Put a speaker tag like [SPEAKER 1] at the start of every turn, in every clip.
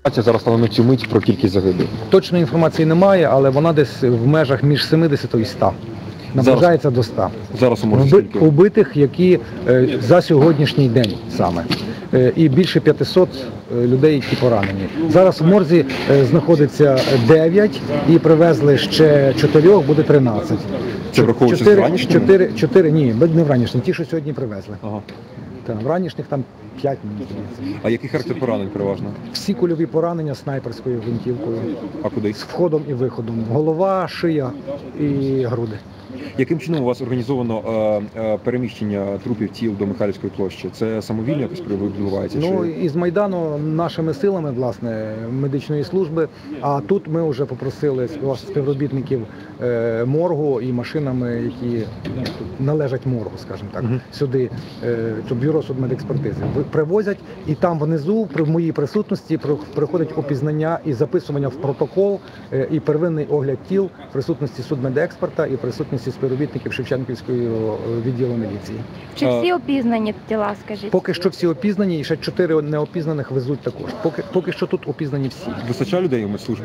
[SPEAKER 1] Зараз стала на цю мить про кількість загиблих.
[SPEAKER 2] Точної інформації немає, але вона десь в межах між 70 і 100. Наближається до 100.
[SPEAKER 1] Зараз може скільки?
[SPEAKER 2] Убитих, які за сьогоднішній день саме. І більше 500 людей, які поранені. Зараз в морзі знаходиться 9 і привезли ще 4, буде 13.
[SPEAKER 1] Це враховуючи з вранішнім?
[SPEAKER 2] 4, ні, не вранішнім, ті, що сьогодні привезли.
[SPEAKER 1] Ага.
[SPEAKER 2] В ранішніх там 5, мені здається.
[SPEAKER 1] А який характер поранень переважно?
[SPEAKER 2] Всі кульові поранення снайперською гвинтівкою.
[SPEAKER 1] А куди?
[SPEAKER 2] З входом і виходом. Голова, шия і груди.
[SPEAKER 1] Яким чином у вас організовано переміщення трупів тіл до Михайлівської площі? Це самовільно якось відбувається?
[SPEAKER 2] Ну,
[SPEAKER 1] чи...
[SPEAKER 2] із Майдану нашими силами, власне, медичної служби, а тут ми вже попросили співробітників моргу і машинами, які належать моргу, скажімо так, сюди, бюро судмедекспертизи. Привозять, і там внизу, при моїй присутності, приходить опізнання і записування в протокол, і первинний огляд тіл в присутності судмедексперта і присутності співробітників Шевченківського відділу міліції.
[SPEAKER 3] Чи всі опізнані тіла, скажіть?
[SPEAKER 2] Поки що всі опізнані, і ще 4 неопізнаних везуть також. Поки що тут опізнані всі.
[SPEAKER 1] Вистачає людей у медслужбі?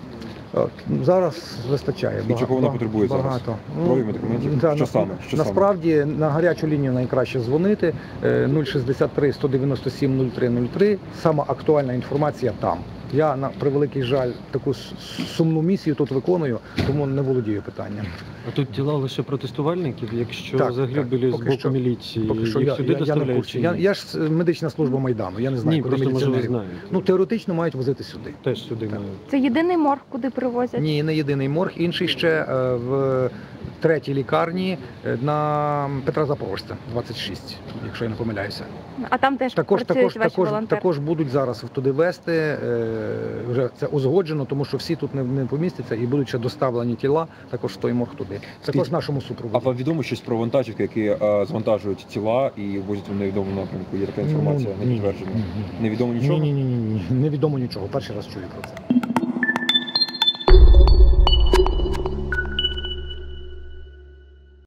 [SPEAKER 2] Зараз вистачає.
[SPEAKER 1] І чого вона потребує зараз?
[SPEAKER 2] Багато.
[SPEAKER 1] Крові, медикаментів? Що саме?
[SPEAKER 2] Насправді на гарячу лінію найкраще дзвонити 063 197 0303. Сама актуальна інформація там. Я, на превеликий жаль, таку сумну місію тут виконую, тому не володію питанням.
[SPEAKER 4] А тут тіла лише протестувальників, якщо
[SPEAKER 2] Так,
[SPEAKER 4] загиблі з
[SPEAKER 2] поки
[SPEAKER 4] боку
[SPEAKER 2] що,
[SPEAKER 4] міліції,
[SPEAKER 2] поки що
[SPEAKER 4] їх сюди доставляють чи ні?
[SPEAKER 2] Я ж медична служба Майдану, я не знаю,
[SPEAKER 4] Ні,
[SPEAKER 2] куди
[SPEAKER 4] просто може ви
[SPEAKER 2] міліціонерів.
[SPEAKER 4] знаєте.
[SPEAKER 2] Ну, теоретично мають возити сюди.
[SPEAKER 4] Теж сюди мають.
[SPEAKER 3] Це єдиний морг, куди привозять?
[SPEAKER 2] Ні, не єдиний морг, інший ще в третій лікарні на Петра Запорожця, 26, якщо я не помиляюся.
[SPEAKER 3] А там теж працюють ваші волонтери?
[SPEAKER 2] Також будуть зараз туди везти, вже це узгоджено, тому що всі тут не помістяться і будуть ще доставлені тіла, також в той морг туди. Також нашому супроводу.
[SPEAKER 1] А вам відомо щось про вантажівки, які звантажують тіла і возять в невідомому напрямку? Є така інформація, не підтверджена? Невідомо нічого?
[SPEAKER 2] Ні, невідомо нічого, перший раз чую про це.